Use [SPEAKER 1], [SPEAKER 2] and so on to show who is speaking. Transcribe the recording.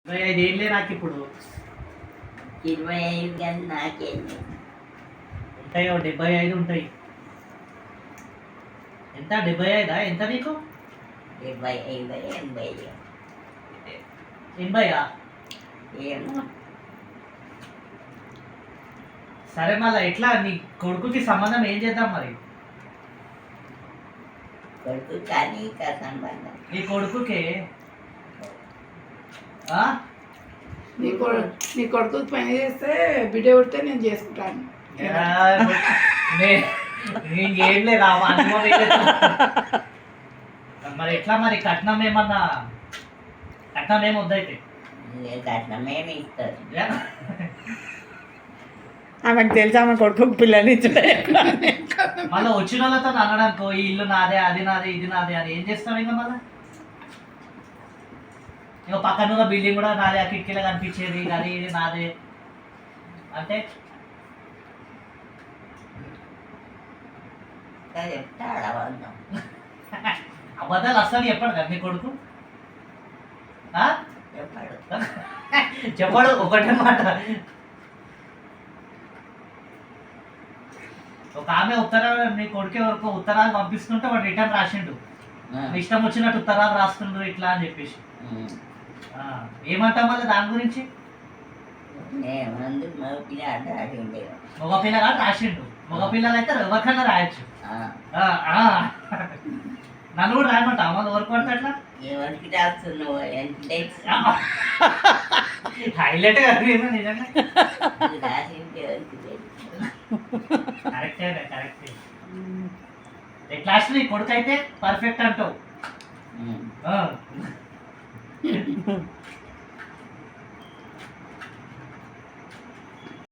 [SPEAKER 1] 25 ఏళ్ళే నాకు ఇప్పుడు
[SPEAKER 2] 25 కానీ నాకేంది
[SPEAKER 1] ఉంటాయి 75 ఉంటాయి. ఎంత 75 ఎంత నీకు
[SPEAKER 2] 75 80
[SPEAKER 1] 80
[SPEAKER 2] ఏమో
[SPEAKER 1] సరే మళ్ళీ ఎట్లా నీ కొడుకుకి సంబంధం ఏం చేద్దాం మరి?
[SPEAKER 2] కొడుకు కానీ ఇంకా సంబంధం
[SPEAKER 1] నీ కొడుకుకే
[SPEAKER 3] నీ కొడుకు పని చేస్తే బిడ్డ పుడితే నేను చేసుకుంటాను.
[SPEAKER 1] ఇంకేం లేదా మరి ఎట్లా మరి కట్నం ఏమన్నా కట్నం ఏమి వద్దయితే
[SPEAKER 2] కట్నమేమి ఇస్తారు
[SPEAKER 3] ఆమెకు తెలుసు ఆమె కొడుకు పిల్లలు
[SPEAKER 1] మళ్ళీ వచ్చిన వాళ్ళతో అనడానికి ఈ ఇల్లు నాదే అది నాదే ఇది నాదే అని ఏం చేస్తాం ఇంకా మళ్ళీ ఇంకా పక్కన ఉన్న బిల్డింగ్ కూడా నాదే, ఆ కిటికీలో కనిపించేది అది ఇది నాదే అంటే
[SPEAKER 2] చెప్తా అడవద్దాం
[SPEAKER 1] అబద్ధాలు అస్సలు చెప్పాడు కదా నీ కొడుకు?
[SPEAKER 2] చెప్పాడు
[SPEAKER 1] చెప్పాడు ఒకటే మాట. ఒక ఆమె ఉత్తరాలు నీ కొడుకే వరకు ఉత్తరాలు పంపిస్తుంటే వాడు రిటర్న్ రాసిండు, ఇష్టం వచ్చినట్టు ఉత్తరాలు రాస్తుండ్రు ఇట్లా అని చెప్పేసి. ఏమంటాం మళ్ళీ దాని గురించి? మగపిల్లగా రాసిండు, మగపిల్లలు అయితే ఎవరికైనా రాయొచ్చు. నన్ను కూడా రాయమంటా మళ్ళీ ఎవరికి పడితే అట్లా
[SPEAKER 2] ఎవరికి రాస్తున్నావు
[SPEAKER 1] హైలైట్ కదా నిజంగా.
[SPEAKER 2] రాసింటే ఎవరికి
[SPEAKER 1] కరెక్టే కరెక్టే. క్లాస్ నీ కొడుకు అయితే పర్ఫెక్ట్ అంటావు.